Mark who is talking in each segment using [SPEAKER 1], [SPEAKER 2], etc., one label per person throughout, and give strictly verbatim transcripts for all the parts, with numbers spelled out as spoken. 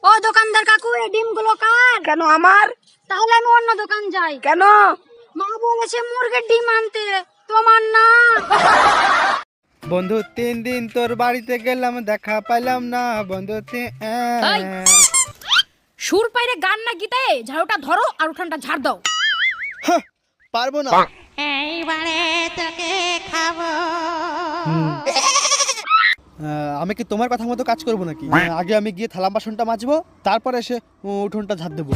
[SPEAKER 1] ও দোকানদার কাকু, এই ডিমগুলো কার?
[SPEAKER 2] কেন আমার?
[SPEAKER 1] তাহলে আমি অন্য দোকান যাই।
[SPEAKER 2] কেন?
[SPEAKER 1] মা বলেছে মুরগির ডিম আনতে, তোমার না।
[SPEAKER 3] বন্ধু তিন দিন তোর বাড়িতে গেলাম, দেখা পাইলাম না বন্ধু।
[SPEAKER 4] এই, সুর পাইরে গান না গীতে ঝাড়ুটা ধরো আর উঠানটা ঝাড় দাও।
[SPEAKER 3] পারবো না।
[SPEAKER 5] এইবারে তোকে খাবো।
[SPEAKER 3] আমি কি তোমার কথা মতো কাজ করবো নাকি? আগে আমি গিয়ে থালা বাসনটা মাজবো, তারপরে এসে উঠোনটা ঝাড় দেবো।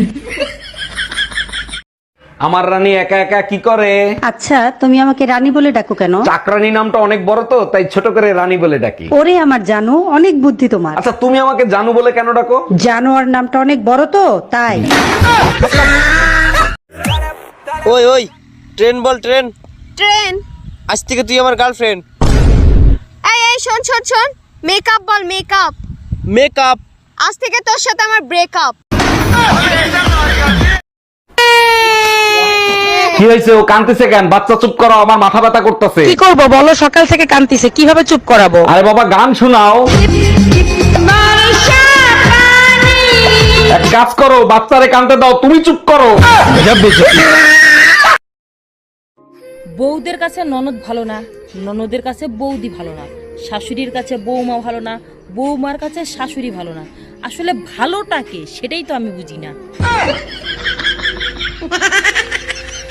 [SPEAKER 6] আমার রানী একা একা কি করে?
[SPEAKER 7] আচ্ছা, তুমি আমাকে রানী বলে ডাকো কেন?
[SPEAKER 6] চাকরানী নামটা অনেক বড় তো, তাই ছোট করে রানী বলে ডাকি।
[SPEAKER 7] ওরে আমার জানো, অনেক বুদ্ধি তোমার।
[SPEAKER 6] আচ্ছা তুমি আমাকে জানু বলে কেন ডাকো?
[SPEAKER 7] জানোয়ার নামটা অনেক বড় তো, তাই।
[SPEAKER 8] ওই ওই ট্রেন বল, ট্রেন।
[SPEAKER 1] ট্রেন?
[SPEAKER 8] আজ থেকে তুই আমার গার্লফ্রেন্ড।
[SPEAKER 1] এই এই শোন শোন শোন, মেকআপ বল, মেকআপ।
[SPEAKER 8] মেকআপ?
[SPEAKER 1] আজ থেকে তোর সাথে আমার ব্রেকআপ।
[SPEAKER 6] কি হয়েছে? ও কাঁদতেছে কেন? বাচ্চা চুপ করো, আমার মাথা ব্যথা করতেছে।
[SPEAKER 2] কি করব বলো, সকাল থেকে কাঁদতিছে, কিভাবে চুপ করাবো?
[SPEAKER 6] আরে বাবা গান শোনাও। এক কাজ করো, বাচ্চারে কাঁদতে দাও, তুমি চুপ করো।
[SPEAKER 4] বউদের কাছে ননদ ভালো না, ননদের কাছে বৌদি ভালো না, শাশুড়ির কাছে বৌমা ভালো না, বৌমার কাছে শাশুড়ি ভালো না। আসলে ভালোটাকে সেটাই তো আমি বুঝি না।